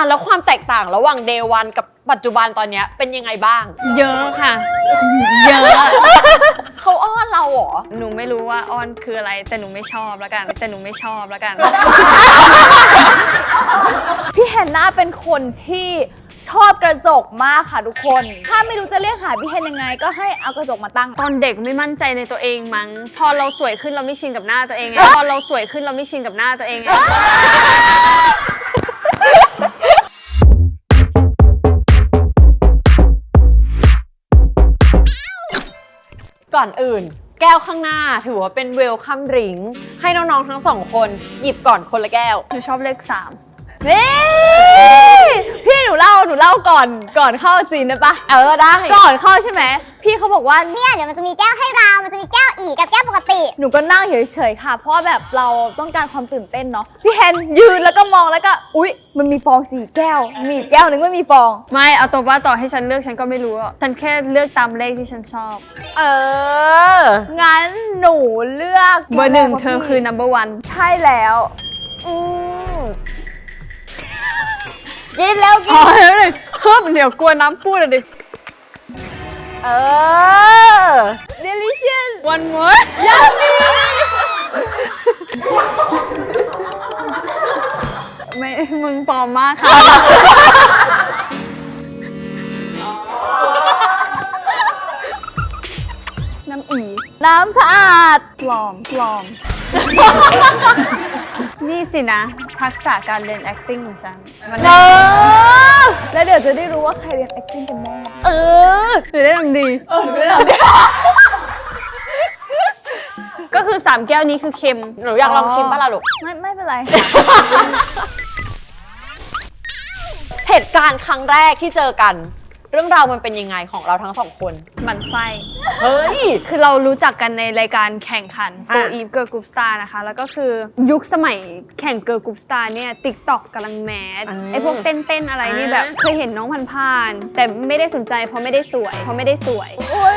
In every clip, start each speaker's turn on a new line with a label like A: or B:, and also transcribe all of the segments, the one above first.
A: แล้วความแตกต่างระหว่าง Day 1 กับปัจจุบันตอนนี้เป็นยังไงบ้าง
B: เยอะค่ะเยอะ
A: เขาอ้อนเราเหรอ
B: หนูไม่รู้ว่าอ้อนคืออะไรแต่หนูไม่ชอบแล้วกัน
C: พี่แฮนนาเป็นคนที่ชอบกระจกมากค่ะทุกคน ถ้าไม่รู้จะเรียกหาพี่แฮนยังไงก็ให้เอากระจกมาตั้ง
B: ตอนเด็กไม่มั่นใจในตัวเองมั้งพอเราสวยขึ้นเราไม่ชินกับหน้าตัวเองไง
A: ก่อนอื่น แก้วข้างหน้าถือว่าเป็นเวลคัมดริงก์ให้น้องๆทั้งสองคนหยิบก่อนคนละแก้ว
B: หนูชอบเลข 3
C: นี่พี่หนูเล่าก่อนเข้าซีนได้ปะ
A: ได้
C: ก่อนเข้าใช่ไหมพี่เขาบอกว่า
D: เนี่ยเดี๋ยวมันจะมีแก้วให้เรา มันจะมีแก้วอีกกับแก้วปกติ
C: หนูก็นั่งเฉยๆค่ะ เพราะว่าแบบเราต้องการความตื่นเต้นเนาะพี่แฮนยืนแล้วก็มองแล้วก็อุ๊ยมันมีฟอง4 แก้วมีอีกแก้วนึงไม่มีฟอง
B: ไม่เอาตัวว่าต่อให้ฉันเลือกฉันก็ไม่รู้ฉันแค่เลือกตามเลขที่ฉันชอบ
C: งั้นหนูเลือก
B: เบอร์ 1เธอคือ number 1
C: ใช่แล้วกินแล้ว
B: พอแล้วเลยเพิ่มเดี๋ยวกลัวน้ำพูดดิ
C: delicious
B: one more ยังมีไม่มึงปลอมมากค่ะน้ำอี
C: น้ำสะอาด
B: ปลอมนี่สินะทักษะการเรียน acting ของฉันมัน
C: แล้วเดี๋ยวจะได้รู้ว่าใครเรียน acting กันแน่
B: หรือได้ทำดีก็คือ3 แก้วนี้คือเค็ม
A: หนูอยากลองชิมป่ะล่ะลูก
C: ไม่เป็นไร
A: เหตุการณ์ครั้งแรกที่เจอกัน เรื่องราวมันเป็นยังไงของเราทั้งสองคน
B: มันไส้
A: เฮ้ย
B: คือเรารู้จักกันในรายการแข่งขัน For Eve Girl Group Star นะคะ แล้วก็คือยุคสมัยแข่ง Girl Group Star เนี่ย TikTok กำลังแมสไอพวกเต้นอะไรนี่แบบเคยเห็นน้องผ่านๆแต่ไม่ได้สนใจเพราะไม่ได้สวย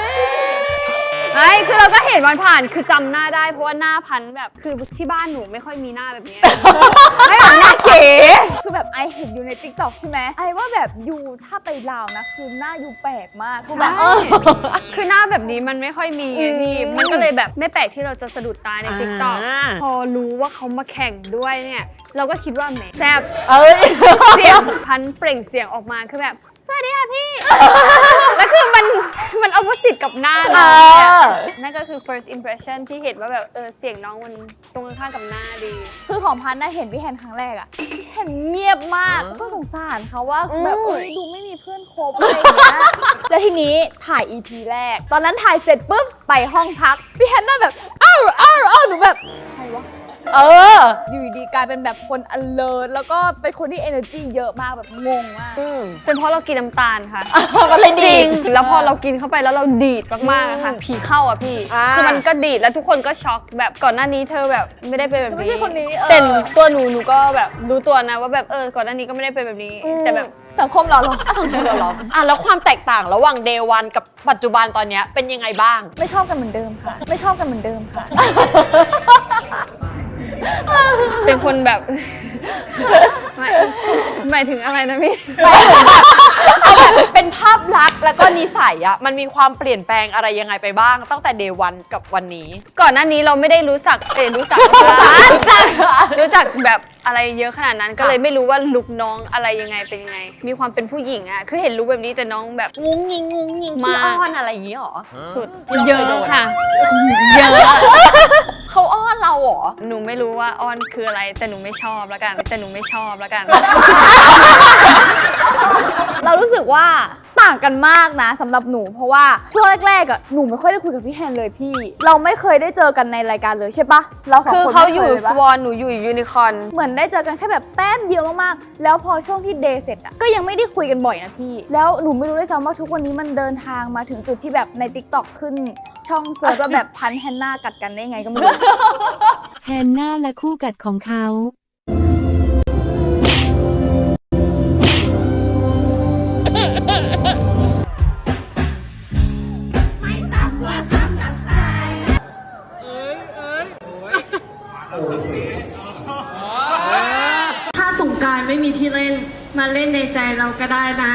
B: คือเราก็เห็นวันผ่านคือจำหน้าได้เพราะว่าหน้าพันแบบคือที่บ้านหนูไม่ค่อยมีหน้าแบบนี้ ไม่แบบหน้าเก๋
C: คือแบบไอเห็นอยู่ใน TikTok ใช่ไหมไอว่าแบบยูถ้าไปลาวนะคือหน้ายูแปลกมากคือแบบ
B: คือหน้าแบบนี้มันไม่ค่อยมีไงพี่มันก็เลยแบบไม่แปลกที่เราจะสะดุดตาใน TikTok พอรู้ว่าเขามาแข่งด้วยเนี่ยเราก็คิดว่าแหมแซ่บเสียงพันเปล่งเสียงออกมาคือแบบสวัสดีค่ะพี่ แล้วคือมันออปโพสิตกับหน้าเรานั่นก็คือ first impression ที่เห็นว่าแบบเสียงน้องมันตรงข้ามกับหน้าดี
C: คือของพันน่ะเห็นพี่แฮนครั้งแรกอะพี่แฮนเงียบมากก็สงสารเขาว่าแบบดูไม่มีเพื่อนคบอะไรอย่างเงี้ยแล้วทีนี้ถ่าย EP แรกตอนนั้นถ่ายเสร็จปุ๊บไปห้องพักพี่แฮนน่าแบบอ้าวหนูแบบใครวะอยู่ดีกลายเป็นแบบคน alert แล้วก็เป็นคนที่ energy เยอะมากแบบงงมาก
B: เป็นเพราะเรากินน้ำตาลค่ะ
A: มันเลยดีด
B: แล้วพอเรากินเข้าไปแล้วเราดีดมากๆค่ะผีเข้าอ่ะพี่คือมันก็ดีดแล้วทุกคนก็ช็อกแบบก่อนหน้านี้เธอแบบไม่ได้เป็นแบบนี้
C: ไม่ใช่คนนี้
B: แต่ตัวหนูก็แบบรู้ตัวนะว่าแบบก่อนหน้านี้ก็ไม่ได้เป็นแบบนี้แต่แบบ
C: สังคมเรา
A: แล้วความแตกต่างระหว่าง Day 1 กับปัจจุบันตอนนี้เป็นยังไงบ้าง
C: ไม่ชอบกันเหมือนเดิมค่ะ
B: เป็นคนแบบหมายถึงอะไรนะพี่
A: เอาแบบเป็นภาพลักษณ์แล้วก็นิสัยอะมันมีความเปลี่ยนแปลงอะไรยังไงไปบ้างตั้งแต่ Day 1 กับวันนี้
B: ก่อนหน้านี้เราไม่ได้รู้จักแบบอะไรเยอะขนาดนั้นก็เลยไม่รู้ว่าลุคน้องอะไรยังไงเป็นยังไงมีความเป็นผู้หญิงอะคือเห็นลุคแบบนี้แต่น้องแบบ
A: งุ้งยิงขี้อ้อนอะไรอย่างนี้หรอ
B: สุดเยอะค่ะเยอะ
A: เขาอ้อนเราเหรอ
B: หนูไม่รู้ว่าอ้อนคืออะไรแต่หนูไม่ชอบแล้วกัน
C: เรารู้สึกว่าต่างกันมากนะสำหรับหนูเพราะว่าช่วงแรกๆอ่ะหนูไม่ค่อยได้คุยกับพี่แฮนเลยพี่เราไม่เคยได้เจอกันในรายการเลยใช่ปะเราสองคน
B: คือเขาอยู่สวอนหนูอยู่ยูนิคอร์น
C: เหมือนได้เจอกันแค่แบบแป๊บเดียวมากๆแล้วพอช่วงที่เดย์เสร็จอ่ะก็ยังไม่ได้คุยกันบ่อยนะพี่แล้วหนูไม่รู้ด้วยซ้ำว่าทุกวันนี้มันเดินทางมาถึงจุดที่แบบใน TikTok ขึ้นช่องเซิร์ชว่าแบบพันแฮนนากัดกันได้ไงก็ไม่รู้
E: แฮนนาและคู่กัดของเขา
F: ถ้าสงกรานต์ไม่มีที่เล่นมาเล่นในใจเราก็ได้นะ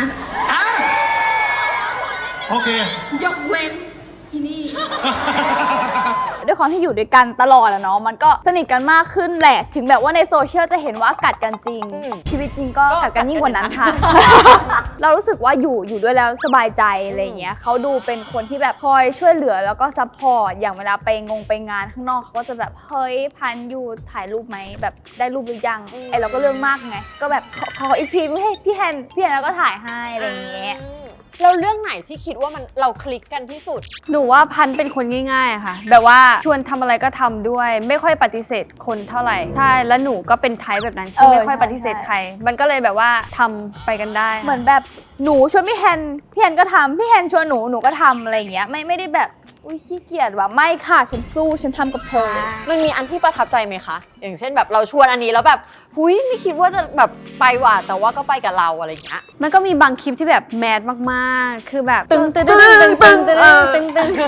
G: โอเค
F: ยกเว้นอีนี่
C: ด้วยความที่อยู่ด้วยกันตลอดอะเนาะมันก็สนิทกันมากขึ้นแหละถึงแบบว่าในโซเชียลจะเห็นว่ากัดกันจริง ชีวิตจริงก็กัดกันยิ่งกว่านั้นค่ะ เรารู้สึกว่าอยู่ด้วยแล้วสบายใจอะไรอย่างเงี้ยเขาดูเป็นคนที่แบบคอยช่วยเหลือแล้วก็ซัพพอร์ตอย่างเวลาไปงานข้างนอกเขาก็จะแบบเฮ้ยพันอยู่ถ่ายรูปไหมแบบได้รูปหรือยังไอเราก็เรื่องมากไงก็แบบขออีกทีไม่ให้พี่แฮนแล้วก็ถ่ายให้อะไรอย่างเงี้ย
A: แล้วเรื่องไหนที่คิดว่ามันเราคลิกกันที่สุด
B: หนูว่าพันธุ์เป็นคนง่ายๆอะค่ะ แบบว่าชวนทำอะไรก็ทำด้วย ไม่ค่อยปฏิเสธคนเท่าไหร่ใช่แล้วหนูก็เป็นไทป์แบบนั้นที่ไม่ค่อยปฏิเสธใคร มันก็เลยแบบว่าทำไปกันได้ค่ะ
C: เหมือนแบบหนูชวนพี่แฮนก็ทำพี่แฮนชวนหนูก็ทำอะไรอย่างเงี้ยไม่ได้แบบอุ้ยขี้เกียจว่ะไม่ค่ะฉันสู้ฉันทำกับเธอ
A: มันมีอันที่ประทับใจไหมคะ อย่างเช่นแบบเราชวนอันนี้แล้วแบบหุยไม่คิดว่าจะแบบไปว่ะแต่ว่าก็ไปกับเราอะไรอย่างเงี้ย
B: มันก็มีบางคลิปที่แบบแมสมากๆ คือแบบตึงตึงตึงตึงตึงตึงตึงตึง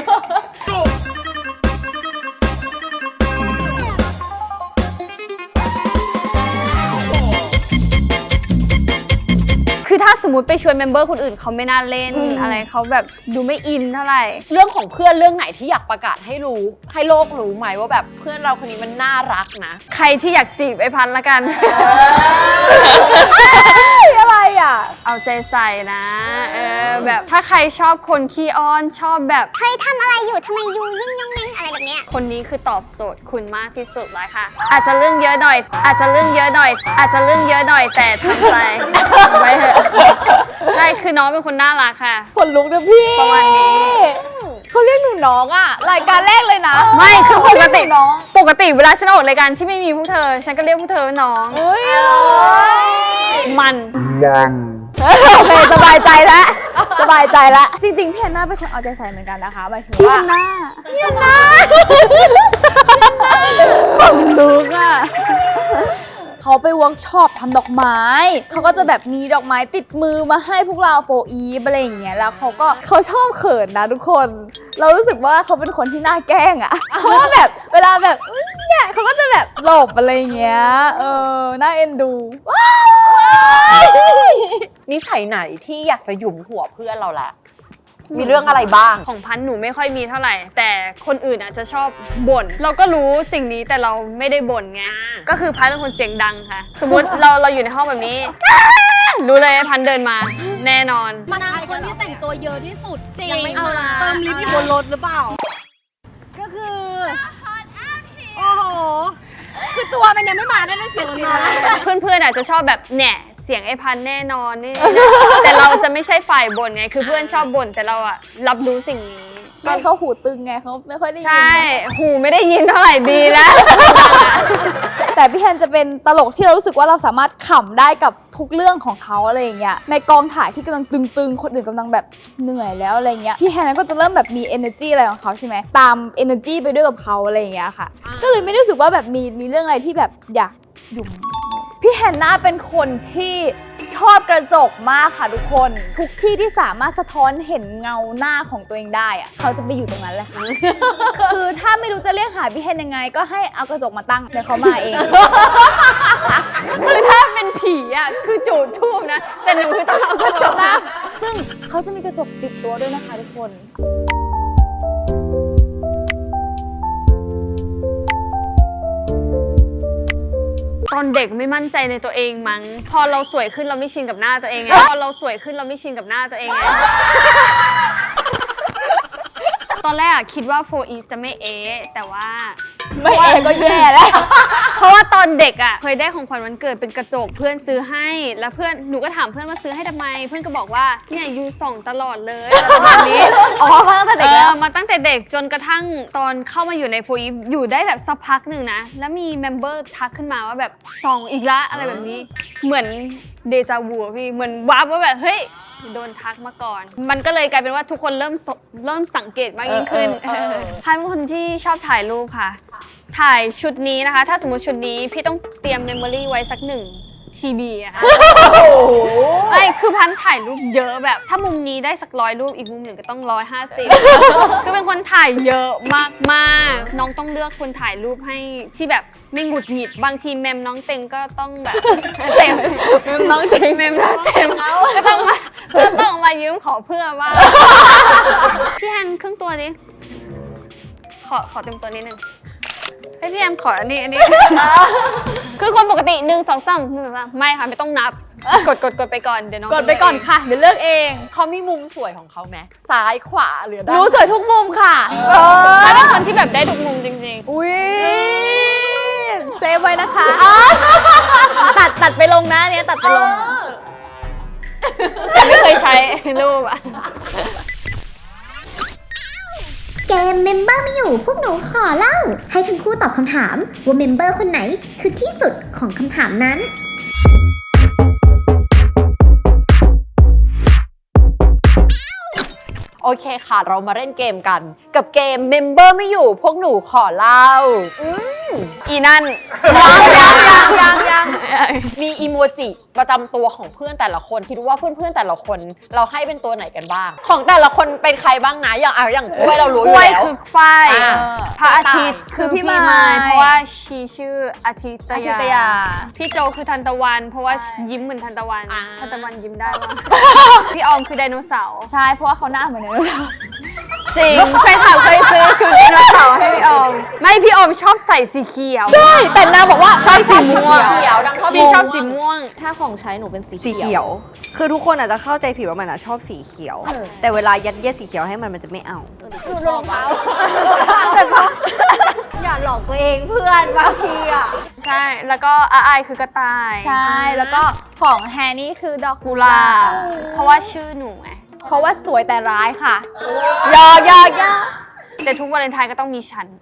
B: คือถ้าสมมติไปชวนเมมเบอร์คนอื่นเขาไม่น่าเล่นอะไรเขาแบบดูไม่อินเท่าไหร่
A: เรื่องของเพื่อนเรื่องไหนที่อยากประกาศให้รู้ให้โลกรู้ไหมว่าแบบเพื่อนเราคนนี้มันน่ารักนะ
B: ใครที่อยากจีบไอ้พันธุ์ละกัน
C: อะไรอ่ะ
B: เอาใจใส่นะแบบถ้าใครชอบคนขี้อ้อนชอบแบบ
D: เฮ้ยทำอะไรอยู่ทำไมยูยิ่งยงนิ่งอะไรแบบเนี้ย
B: คนนี้คือตอบโจทย์คุณมากที่สุดเลยค่ะ อาจจะเรื่องเยอะหน่อย อาจจะเรื่องเยอะหน่อย อาจจะเรื่องเยอะหน่อยแต่ทำใจ ไว้เถอะใช่คือน้องเป็นคนน่ารักค่ะ
C: คนลุกนะพี่
B: ประมาณนี้
C: เขาเรียกหนูน้องอ่ะรายการแรกเลยนะ
B: ไม่คือปกติ
C: น้อง
B: ปกติเวลาฉันออกรายการที่ไม่มีพวกเธอ ฉันก็เรียกพวกเธอว่าน้อง
C: เฮ้ย
B: มัน
C: โอเคสบายใจแล้วสบายใจแล้วจริงๆพี่แอนนาเป็นคนเอาใจใส่เหมือนกันนะคะหมายถึงว่าพี่แอนนา
B: ของลูกอ่ะ
C: เขาไปเวิร์กช็อปทำดอกไม้เขาก็จะแบบมีดอกไม้ติดมือมาให้พวกเราโฟอีฟอะไรอย่างเงี้ยแล้วเขาชอบเขินนะทุกคน เรารู้สึกว่าเขาเป็นคนที่น่าแกล้งอะเพราะว่าแบบเวลาแบบเนี่ยเขาก็จะแบบหลบอะไรอย่างเงี้ยน่าเอ็นดูว้าย
A: นิสัยไหนที่อยากจะหยุมหัวเพื่อนเราแหละ มีเรื่องอะไรบ้าง
B: ของพันธุ์หนูไม่ค่อยมีเท่าไหร่ แต่คนอื่นอาจจะชอบบ่นเราก็รู้สิ่งนี้แต่เราไม่ได้บ่นไงก็คือพันธุ์เป็นคนเสียงดังค่ะ สมมติเราอยู่ในห้องแบบนี้ รู้เลยพันธุ์เดินมาแน่นอน
H: นางคนที่แต่งตัวเยอะที่สุด
B: จริง
H: ยังไม่เอาละ
F: เติมลิฟต์อยู่บนรถหรือเปล่า
H: ก็คือ โอ้โห คือตัวมันยังไม่มาได้เสียงมันมา
B: เพื่อนๆอาจจะชอบแบบแหน่เสียงไอ้พันธุ์แน่นอนนี่ แต่เราจะไม่ใช่ฝ่ายบ่นไงคือเพื่อนชอบบ่นแต่เราอะรับรู้สิ่งนี้
C: ไม่เขาหูตึงไงเขาไม่ค่อยได้ยิน
B: ใช่หูไม่ได้ยินเท่าไหร่ดีแล้ว
C: แต่พี่แฮนจะเป็นตลกที่เรารู้สึกว่าเราสามารถขำได้กับทุกเรื่องของเขาอะไรอย่างเงี้ยในกองถ่ายที่กำลังตึงๆคนอื่นกำลังแบบเหนื่อยแล้วอะไรเงี้ยพี่แฮนก็จะเริ่มแบบมี energy อะไรของเขาใช่ไหมตาม energy ไปด้วยกับเขาอะไรอย่างเงี้ยค่ะก็เลยไม่ได้รู้สึกว่าแบบมีเรื่องอะไรที่แบบอยากหยุ่มพี่แฮนน่าเป็นคนที่ชอบกระจกมากค่ะทุกคนทุกที่ที่สามารถสะท้อนเห็นเงาหน้าของตัวเองได้อะเขาจะไปอยู่ตรงนั้นแหละค่ะ คือถ้าไม่รู้จะเรียกหาพี่แฮนยังไง ก็ให้เอากระจกมาตั้งเดี๋ยวเขามาเอง
B: คือถ้าเป็นผีอ่ะคือจูดทูบนะ แต่หนูคือต้องเอากระจกนะ
C: ซึ่งเขาจะมีกระจกติดตัวด้วยนะคะทุกคน
B: ตอนเด็กไม่มั่นใจในตัวเองมั้งพอเราสวยขึ้นเราไม่ชินกับหน้าตัวเองไงพอเราสวยขึ้นเราไม่ชินกับหน้าตัวเองไง ตอนแรกอะคิดว่าโฟอีฟจะไม่แต่ว่า
C: ไม่เองก็แย่แล้ว
B: เพราะว่าตอนเด็กอ่ะเคยได้ของขวัญวันเกิดเป็นกระจกเพื่อนซื้อให้แล้วเพื่อนหนูก็ถามเพื่อนว่าซื้อให้ทำไม เพื่อนก็บอกว่าเนี่ยยูส่องตลอดเลยอะไรประมาณนี้
C: อ๋อมาตั้งแต่เด็กแล้ว
B: มาตั้งแต่เด็กจนกระทั่งตอนเข้ามาอยู่ในโฟอีฟอยู่ได้แบบสักพักหนึ่งนะแล้วมีเมมเบอร์ทักขึ้นมาว่าแบบส่องอีกละอะไรแบบนี้เหมือนเดจาวูพี่เหมือนวาร์ปว่าแบบเฮ้ยโดนทักมาก่อน มันก็เลยกลายเป็นว่าทุกคนเริ่มสังเกตมากยิ่งขึ้นพันเป็นคนที่ชอบถ่ายรูปค่ะถ่ายชุดนี้นะคะ ถ้าสมมติชุดนี้พี่ต้องเตรียมเมมโมรี่ไว้สัก1 TB อะค่ะไม่คือคือพันถ่ายรูปเยอะแบบ ถ้ามุมนี้ได้สัก100 รูปอีกมุมหนึ่งก็ต้อง150 คือเป็นคนถ่ายเยอะมากๆน้องต้องเลือกคนถ่ายรูปให้ที่แบบไม่หงุดหงิดบางทีเมมน้องเต็งก็ต้องแบบเต็มเมมน้องเต็งก็ต้องมายืมขอเพื่อว่าพี่แฮนครึ่งตัวดิขอเต็มตัวนิดนึงให้พี่แอมขออันนี้ คือคนปกติ1 2 3 1 2 3ไม่ค่ะไม่ต้องนับกดไปก่อนเดี๋ยวน้อง
C: กดไปก่อนค่ะ เดี๋ยวเลือกเอง
A: เขามีมุมสวยของเขาไหมซ้ายขวาหรือด้าน
C: รู้สวยทุกมุมค่ะ
B: เขาเป็นคนที่แบบได้ทุกมุมจริงๆ
C: อุ้ยเซฟไว้นะคะ ตัดไปลงนะเนี่ยตัดไปลง
B: แต่ไม่เคยใช้รูปอะ
D: เกมเมมเบอร์ไม่อยู่พวกหนูขอเล่า ให้ทั้งคู่ตอบคำถามว่าเมมเบอร์คนไหนคือที่สุดของคำถามนั้น
A: โอเคค่ะ เรามาเล่นเกมกัน กับเกมเมมเบอร์ไม่อยู่พวกหนูขอเล่า
B: อีนั่น
C: ยัง
A: มีอีโมจิประจำตัวของเพื่อนแต่ละคนคิดว่าเพื่อนๆแต่ละคนเราให้เป็นตัวไหนกันบ้าง ของแต่ละคนเป็นใครบ้างนะอย่างกล้วยเรารู้อก ยู่
B: ล้วย
A: แล้ว
B: คือฝ้าย
A: อ่า
B: พระอาทิตย์คือพี่มายเพราะว่าชีชื่ออาทิต
C: อาทิต
B: ยาย
C: า
B: พี่โจคือทันตะวัน เพราะว่ายิ้มเหมือนทันตะวัน
A: อ่า
B: ทันตะวันยิ้มได้ว่ะ พี่ออมคือไดโนเสาร์
C: ใช่ เพราะว่าเขาหน้าเหมือนเดิม
B: จริงเคยซื้อชุดไดโนเสาร์ให้พี่ออมไม่พี่ออมชอบใส่สีเขียว
C: ใช่ แต่นางบอกว่า
B: ชอบสีม่วง
A: เขียวดังข้อ
B: ชี
A: มูล
B: ชอบสีม่วง
C: ถ้าของใช้หนูเป็นสี
G: สีเขียว คือทุกคนอาจจะเข้าใจผิดว่ามันอะชอบสีเขียว แต่เวลายัดเยียดสีเขียวให้มันจะไม่เอา
C: คือรองเท้า
G: อย่าหลอกตัวเองเพื่อนบางทีอะ
B: ใช่แล้วก็อาอายคือกระต่าย
C: ใช่ แล้วก็ของแฮนนี่คือดอก
B: กุหลาบเพราะว่าชื่อหนูไง
C: เพราะว่าสวยแต่ร้ายค่ะ
A: ยอ
B: แต่ทุกวาเลนไทน์ก็ต้องมีฉัน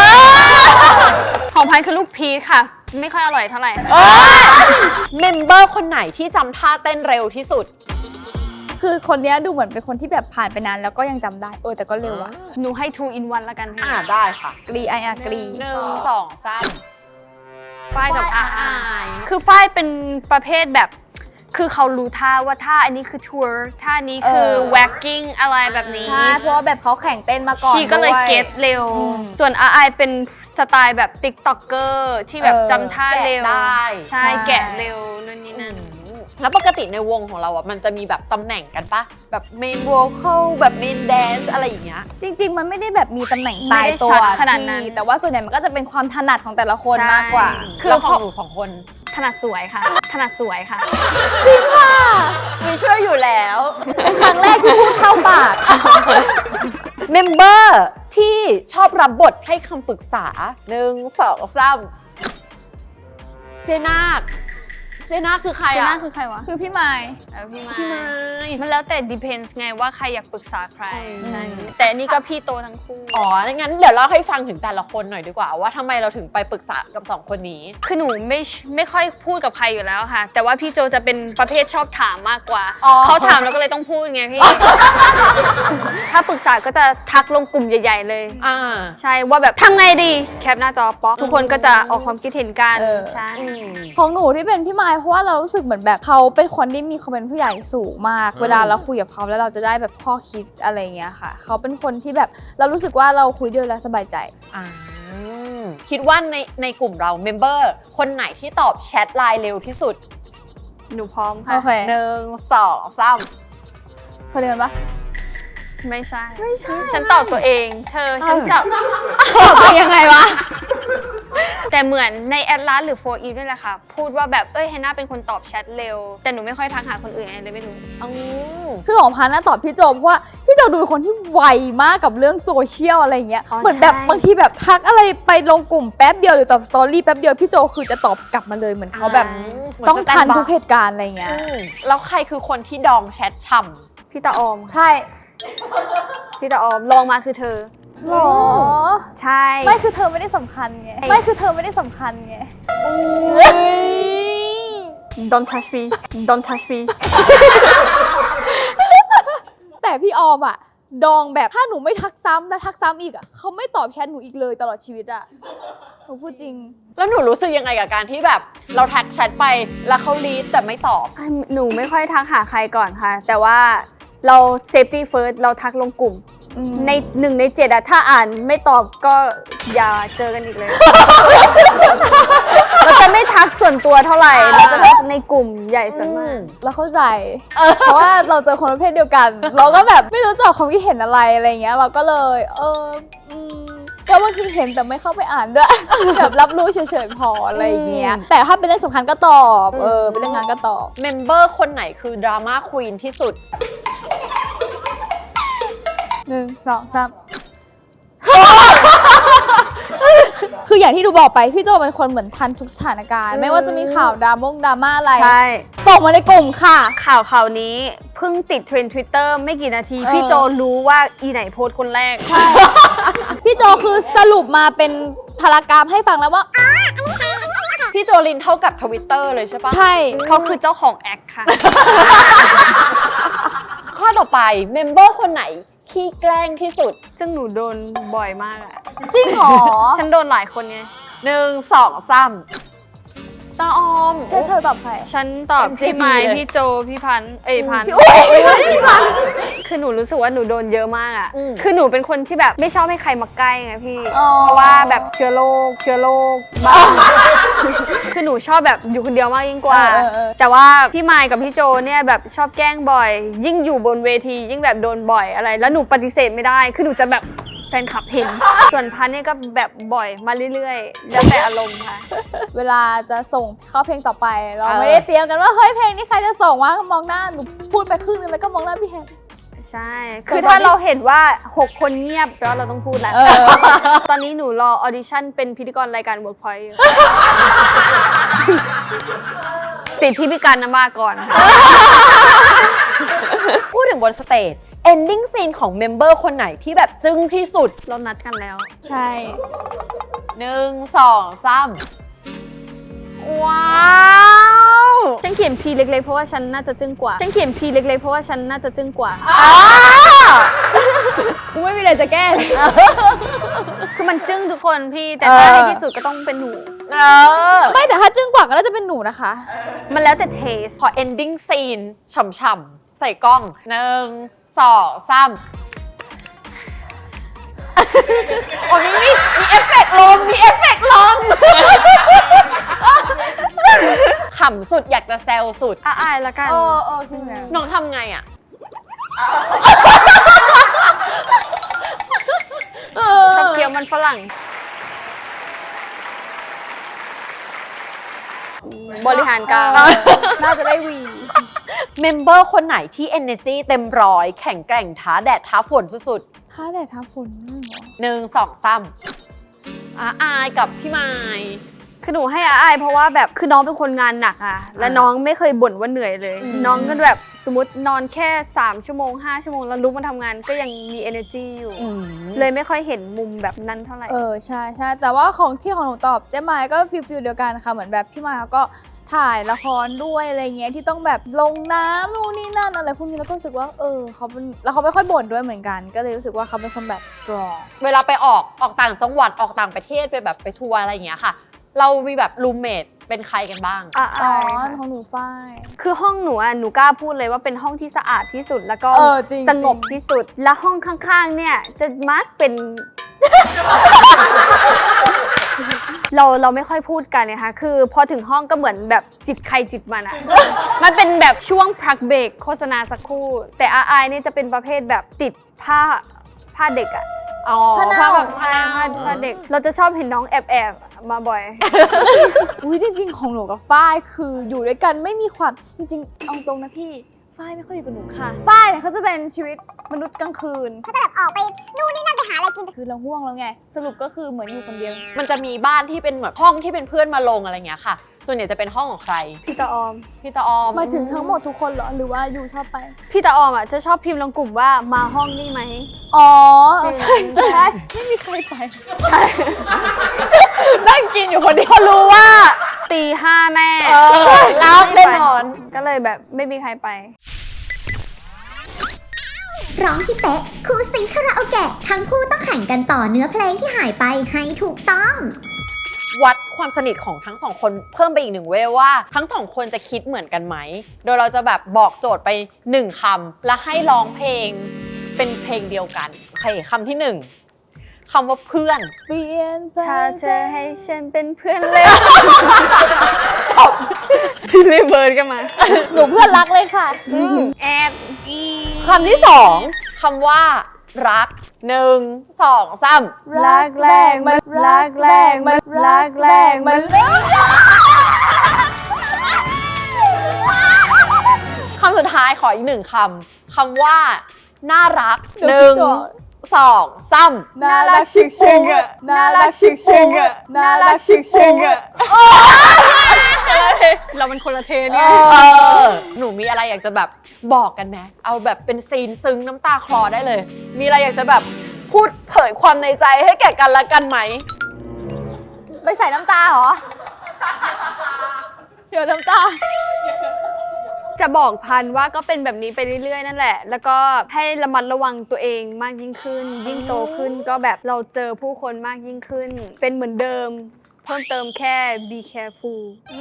B: ของพันคือลูกพีชค่ะ ไม่ค่อยอร่อยเท่าไหร่
A: เมมเบอร์คนไหนที่จำท่าเต้นเร็วที่สุด
C: คือคนเนี้ยดูเหมือนเป็นคนที่แบบผ่านไปนานแล้วก็ยังจำได้ แต่ก็เร็วอะ
B: หนูให้ 2 in 1ละกันพี่
A: ได้ค่ะ
C: กรีกรี
A: 1 2 3
B: ฝ้ายกับ
A: ฝ้าย
B: อา
A: อาย
B: คือฝ้ายเป็นประเภทแบบ คือเขารู้ท่าว่าท่าอันนี้คือทัวร์ท่านี้คือ wacking อะไรแบบนี้
C: ใช่เพราะว่าแบบเขาแข่งเต้นมาก่อน
B: ชีก็เลย
C: ด้วย
B: เก็ตเร็ว
C: อืม
B: ส่วนอาอายเป็นสไตล์แบบติ๊กต็อกเกอร์ที่แบบจำท่าเร็ว
A: แกะได้
B: ใช่แกะเร็วนั่นนี่นั่น
A: แล้วปกติในวงของเราอ่ะมันจะมีแบบตำแหน่งกันปะแบบเมนโวคอลแบบเมนแดนซ์อะไรอย่างเงี้ย
C: จริง ๆ มันไม่ได้แบบมีตำแหน่งตายตัว
B: ไม่ได้ชัดขนาดนั้น
C: ที่แต่ว่าส่วนใหญ่มันก็จะเป็นความถนัดของแต่ละคน
B: ใช่
C: มากกว่า
B: คือ
A: แล้วข
B: พ
A: อ
B: อ
A: งหนูสองคน
B: ถนัดสวยค่ะ ถนัดสวยค่ะ
A: มีช่วยอยู่แล้ว
C: เป็นครั้งแรกที่พูดเข้าปาก
A: เมมเบอร์ที่ชอบรับบทให้คำปรึกษา 1 2 3 เจนาคคือใคร
B: เจ
A: อ่ะ
B: น่าคือใครวะ
C: คือพี่ไมค์
B: พี่ไม้
A: พี่ไม้
B: มันแล้วแต่ depends ไงว่าใครอยากปรึกษาใคร
A: ใช่
B: แต่อันนี่ก็พี่โตทั้งคู่
A: อ๋องั้นเดี๋ยวเล่าให้ฟังถึงแต่ละคนหน่อยดีกว่า ว่าทำไมเราถึงไปปรึกษากับ 2 คนนี้
B: คือหนูไม่ค่อยพูดกับใครอยู่แล้วค่ะ แต่ว่าพี่โจจะเป็นประเภทชอบถามมากกว่า
A: อ๋อ
B: เขาถามแล้วก็เลยต้องพูดไงพี่ ถ้าปรึกษาก็จะทักลงกลุ่มใหญ่ ๆ เลย
A: อ่า
B: ใช่ว่าแบบทำไงดีแคปหน้าจอป๊อกทุกคนก็จะออกความคิดเห็นกัน
C: เออ
B: ใช่
C: ของหนูที่เป็นพี่ไมค์เพราะว่าเรารู้สึกเหมือนแบบเขาเป็นคนที่มีความเป็นผู้ใหญ่สูงมาก เวลาเราคุยกับเขาแล้วเราจะได้แบบข้อคิดอะไรอย่างเงี้ยค่ะ เขาเป็นคนที่แบบเรารู้สึกว่าเราคุยด้วยแล้วสบายใจ
A: คิดว่าในกลุ่มเราเมมเบอร์คนไหนที่ตอบแชทไลน์เร็วที่สุด
B: หนูพร้อมค่ะ
C: โอเค
A: 1 2 3
C: คนเดียวกันปะ
B: ไม่ใช่ ฉันตอบตัวเอง เธอฉันจับ
C: เป็นยังไงวะ
B: แต่เหมือนในแอดลาสหรือโฟอีด้วยแหละค่ะ พูดว่าแบบแฮนน่าเป็นคนตอบแชทเร็ว แต่หนูไม่ค่อยทักหาคนอื่นอะไรเลยไม่รู้
C: คือของพันน่ะตอบพี่โจเพราะว่าพี่โจดูเป็นคนที่ไวมากกับเรื่องโซเชียลอะไรอย่างเงี้ย
B: อ๋อ
C: เหมือนแบบ
B: ใช่
C: บางทีแบบทักอะไรไปลงกลุ่มแป๊บเดียวหรือตอบสตอรี่แป๊บเดียวพี่โจคือจะตอบกลับมาเลยเหมือนเขาแบบต้องทันทุกเหตุการณ์อะไรอย่างเงี้ย
A: แล้วใครคือคนที่ดองแชทฉ่
B: พี่ตาออม
C: ใช่
B: พี่ตาออมลองมาคือเธอ
C: หรอ
B: ใช่
C: ไม่คือเธอไม่ได้สำคัญไงไม่คือเธอไม่ได้สำคัญไง
B: Don't touch me Don't touch me
C: แต่พี่ออมอ่ะดองแบบถ้าหนูไม่ทักซ้ำและทักซ้ำอีกอ่ะเขาไม่ตอบแชทหนูอีกเลยตลอดชีวิตอ่ะหนูพูดจริง
A: แล้วหนูรู้สึกยังไงกับการที่แบบเราแท็กแชทไปแล้วเขารีดแต่ไม่ตอบ
B: หนูไม่ค่อยทักหาใครก่อนค่ะ แต่ว่าเราเซฟตี้เฟิร์สเราทักลงกลุ่ม ใน1 ใน 7อะถ้าอ่านไม่ตอบก็อย่าเจอกันอีกเลย เราจะไม่ทักส่วนตัวเท่าไหร่เราจะทักในกลุ่มใหญ่ส่วนมาก
C: เราเข้าใจ เพราะว่าเราเจอคนประเภทเดียวกัน เราก็แบบไม่รู้จะออกความคิดเห็นอะไรอะไรเงี้ย เราก็เลยก็บางทีเห็นแต่ไม่เข้าไปอ่านด้วย แบบรับรู้เฉยๆพออะไรอย่างเงี้ย แต่ถ้าเป็นเรื่องสำคัญก็ตอบเป็นเรื่องงานก็ตอบ
A: เมมเบอร์คนไหนคือดราม่าควีนที่สุด
C: 1 2 3 คืออย่างที่ดูบอกไปพี่โจเป็นคนเหมือนทันทุกสถานการณ์ ไม่ว่าจะมีข่าวดราม่าอะไร
B: ใช่
C: ส่งมาในกลุ่มค่ะ
B: ข่าวนี้เพิ่งติดเทรนด์ Twitter ไม่กี่นาที พี่โจรู้ว่าอีไหนโพสต์คนแรก
C: พี่โจคือสรุปมาเป็นพารากราฟให้ฟังแล้วว่า
A: พี่โจลินเท่ากับทวิตเตอร์เลยใช่ปะ
C: ใช่
B: เขาคือเจ้าของแอคค่ะ
A: ข้อต่อไปเมมเบอร์คนไหนขี้แกล้งที่สุด
B: ซึ่งหนูโดนบ่อยมากอะ
C: จริงเหรอ
B: ฉันโดนหลายคนไง
A: 1 2 3ตาออม
C: ใช่เธอตอบใคร
B: ฉันตอบ
A: MJP
B: พี่ไม้
A: เลย
B: พี่โจ พี่พันธุ์พันธุ์
C: พี่พัน
B: คือหนูรู้สึกว่าหนูโดนเยอะมากอะ
A: อืม
B: คือหนูเป็นคนที่แบบไม่ชอบให้ใครมาใกล้ไงพี่
C: อ๋อ
B: เพราะว่าแบบเชื้อโรคบ้าง คือหนูชอบแบบอยู่คนเดียวมากยิ่งกว่า แต่ว่าพี่ไม้กับพี่โจเนี่ยแบบชอบแกล้งบ่อย ยิ่งอยู่บนเวทียิ่งแบบโดนบ่อยอะไร แล้วหนูปฏิเสธไม่ได้ คือหนูจะแบบแฟนคลับเห็น ส่วนพันธุ์เนี่ยก็แบบบ่อยมาเรื่อยๆ แล้วแต่อารมณ์ค่ะ
C: เวลาจะส่งเข้าเพลงต่อไป เราไม่ได้เตรียมกันว่าเฮ้ยเพลงนี้ใครจะส่งวะมองหน้าหนูพูดไปครึ่งนึงแล้วก็มองหน้าพี่แฮน
B: ใช่ คือถ้าเราเห็นว่า 6 คนเงียบแล้วเราต้องพูดแล้ว ตอนนี้หนูรอออดิชั่นเป็นพิธีกรรายการ Workpoint อยู่ ติดที่พิการน้ำมาก่อนค่ะ
A: พูดถึงบนสเตจ ending scene ของเมมเบอร์คนไหนที่แบบจึ้งที่สุด
B: เรานัดกันแล้ว
C: ใช่
A: 1 2 3ว้าว
B: ฉันเขียน P เล็กๆเพราะว่าฉันน่าจะจึ้งกว่า ฉันเขียน P เล็กๆเพราะว่าฉันน่าจะจึ้งกว่า
C: กูไม่มีอะไรจะแก้เลย
B: คือมันจึ้งทุกคนพี่ แต่ถ้าให้ที่สุดก็ต้องเป็นหนู
C: ไม่แต่ถ้าจึ้งกว่าก็น่าจะเป็นหนูนะคะ
B: มันแล้วแต่เทส
A: พอ ending scene ฉ่ำๆ ใส่กล้อง 1 2 3โอ้มีเอฟเฟกต์ลม มีเอฟเฟกต์ลม ขำสุดอยากจะแซวสุด
B: อายละกัน
C: จริงแล้ว
A: น้องทำไงอ่ะ
B: ชอบเคี้ยวมันฝรั่ง บริหารการ
C: น่าจะได้วี
A: เมมเบอร์คนไหนที่ energy เต็มร้อยแข่งแกร่งท้าแดดท้าฝนสุด
C: ท้าแดดท้าฝนนั่นเหรอ
A: ๆ 1 2 3อายกับพี่ไม้
B: คือหนูให้อายเพราะว่าแบบคือน้องเป็นคนงานหนักอะและน้องไม่เคยบ่นว่าเหนื่อยเลย น้องก็แบบสมมตินอนแค่3 ชั่วโมง 5 ชั่วโมงแล้วลุกมาทำงานก็ยังมี energy อยู่ เลยไม่ค่อยเห็นมุมแบบนั้นเท่าไหร่
C: ใช่ใช่แต่ว่าของหนูตอบเจ๊ไม้ก็ฟิลเดียวกันค่ะเหมือนแบบพี่ไม้เขาก็ถ่ายละครด้วยอะไรเงี้ยที่ต้องแบบลงน้ำนู่นนี่นั่นอะไรพวกนี้แล้วก็รู้สึกว่าเขาเป็นแล้วเขาไม่ค่อยบ่นด้วยเหมือนกัน ก็เลยรู้สึกว่าเขาเป็นคนแบบ strong
A: เวลาไปออกต่างจังหวัดออกต่างประเทศไปแบบไปทัวร์อะไรอย่างเงี้ยค่ะ เรามีแบบรูมเมทเป็นใครกันบ้าง
C: อ๋อของหนูฝ้าย
B: คือห้องหนูอ่ะหนูกล้าพูดเลยว่าเป็นห้องที่สะอาดที่สุดแล้วก็
C: จริง
B: สงบที่สุด และห้องข้างๆเนี่ยจะมักเป็น เราไม่ค่อยพูดกันนะคะคือพอถึงห้องก็เหมือนแบบจิตใครจิตมันอะ มันเป็นแบบช่วงพักเบรกโฆษณาสักครู่ แต่อายเนี่ยจะเป็นประเภทแบบติดผ้าเด็กอะ
A: อ๋อ
C: ผ้าเน่า
B: ใช่ผ้าเด็ก เราจะชอบเห็นน้องแอบมาบ่อย
C: อุ้ยจริงๆของหนูกับฝ้ายคืออยู่ด้วยกันไม่มีความจริงๆเอาตรงนะพี่ฝ้ายไม่ค่อยอยู่กับหนูค่ะฝ้ายเนี่ยเขาจะเป็นชีวิตมนุษย์กลางคืนเขาจะแบบออกไปนู่นนี่นั่นไปหาอะไรกินคือเราง่วงแล้วไงสรุปก็คือเหมือนอยู่คนเดียว
A: มันจะมีบ้านที่เป็นแบบห้องที่เป็นเพื่อนมาลงอะไรเงี้ยค่ะ ส่วนใหญ่จะเป็นห้องของใคร
B: พี่ตาออม
A: พี่ตาออม
C: หมายถึงทั้งหมดทุกคนเหรอหรือว่าอยู่ชอบไป
B: พี่ตาออมอ่ะจะชอบพิมพ์ลงกลุ่มว่ามาห้องนี่ไหม
C: อ๋อ
B: จริง
C: ใช่ไม่มีใครไป
A: นั่งกินอยู่คนเดียว
B: เขารู้ว่าตี5แน่
A: รับแน่นอน
B: ก็เลยแบบไม่มีใครไป
D: ร้องที่เป๊ะคู่ซีคาราโอเกะทั้งคู่ต้องแข่งกันต่อเนื้อเพลงที่หายไปให้ถูกต้อง
A: วัดความสนิทของทั้งสองคนเพิ่มไปอีกหนึ่งเวลว่าทั้งสองคนจะคิดเหมือนกันไหมโดยเราจะแบบบอกโจทย์ไป1 คำและให้ร้องเพลงเป็นเพลงเดียวกันโอเคคำที่ 1คำว่าเพื่อน
C: เปลี่ยนไป
B: ถ้าเธอให้ฉันเป็นเพื่อนเลยพี่เลเบิร์ดกันมา
C: หนูเพื่อนรักเลยค่ะ
B: แอด
A: คำที่ 2คำว่ารัก1 2 3
C: รักแรงมันรักแรงมันรักแรงมัน
A: คำสุดท้ายขออีก1 คำว่าน่ารัก1 2 3
C: น่ารักชิกชิงอ่ะน่ารักชิกชิงอ่ะน่ารักชิกชิงอ่ะ
B: เรามันคนละเทนเนี่ย
A: หนูมีอะไรอยากจะแบบบอกกันไหมเอาแบบเป็นซีนซึ้งน้ำตาคลอได้เลย มีอะไรอยากจะแบบพูดเผยความในใจให้แก่กันและกันไหม
C: ไปใส่น้ำตาเหรอเดี๋ยวน้ำตา
B: จะบอกพันว่าก็เป็นแบบนี้ไปเรื่อยๆนั่นแหละ แล้วก็ให้ระมัดระวังตัวเองมากยิ่งขึ้น ยิ่งโตขึ้นก็แบบเราเจอผู้คนมากยิ่งขึ้น เป็นเหมือนเดิม เพิ่มเติมแค่ be careful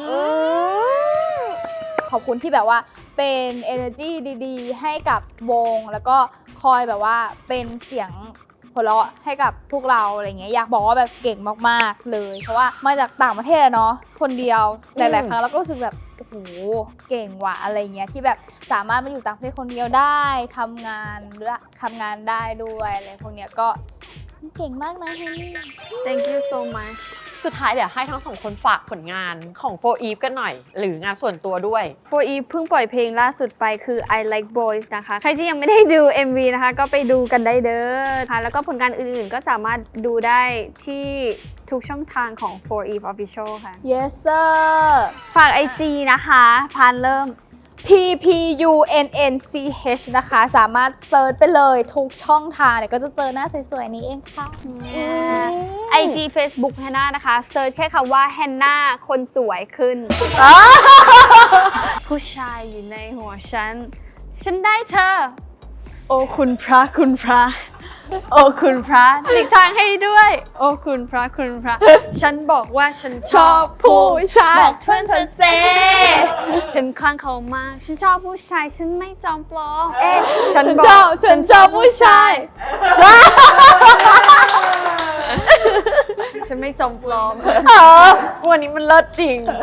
C: ขอบคุณที่แบบว่าเป็น energy ดีๆ ให้กับวงแล้วก็คอยแบบว่าเป็นเสียงหัวเราะให้กับพวกเราอะไรเงี้ยอยากบอกว่าแบบเก่งมากๆเลย เพราะว่ามาจากต่างประเทศอะเนาะคนเดียวหลายๆครั้งเราก็รู้สึกแบบโอ้โหเก่งว่ะอะไรเงี้ยที่แบบสามารถมาอยู่ต่างประเทศคนเดียวได้ทำงานหรือทำงานได้ด้วยอะไรพวกเนี้ยก็เก่งมากนะเฮนนี่
B: thank you so much
A: สุดท้ายเดี๋ยวให้ทั้งสองคนฝากผลงานของ For Eve กันหน่อย หรืองานส่วนตัวด้วย
B: For Eve เพิ่งปล่อยเพลงล่าสุดไปคือ I Like Boys นะคะ ใครที่ยังไม่ได้ดู MV นะคะ ก็ไปดูกันได้เด้อค่ะแล้วก็ผลงานอื่นๆ ก็สามารถดูได้ที่ทุกช่องทางของ For Eve Official ค่ะ
C: yes sir
B: ฝาก IG นะคะพานเริ่ม
C: PPUNNCH นะคะสามารถเซิร์ชไปเลยทุกช่องทางเดี๋ยวก็จะเจอหน้าสวยๆนี้เองค่ะ
B: IG Facebook แฮนนานะคะเซิร์ชแค่คำว่าแฮนนาคนสวยขึ้น ผู้ชายอยู่ในหัวฉัน ฉันได้เธอ โอ้คุณพระคุณพระ โอ้คุณพระหลีกทางให้ด้วย โอ้คุณพระคุณพระ ฉันบอกว่าฉันชอบผู้ชายบอกเพื่อนเธอเซฉันคลั่งเขามาก ฉันชอบผู้ชาย ฉันไม่จอมปลอม ฉันชอบผู้ชาย ฉันไม่จอมปลอม
A: วันนี้มันเลิศจริง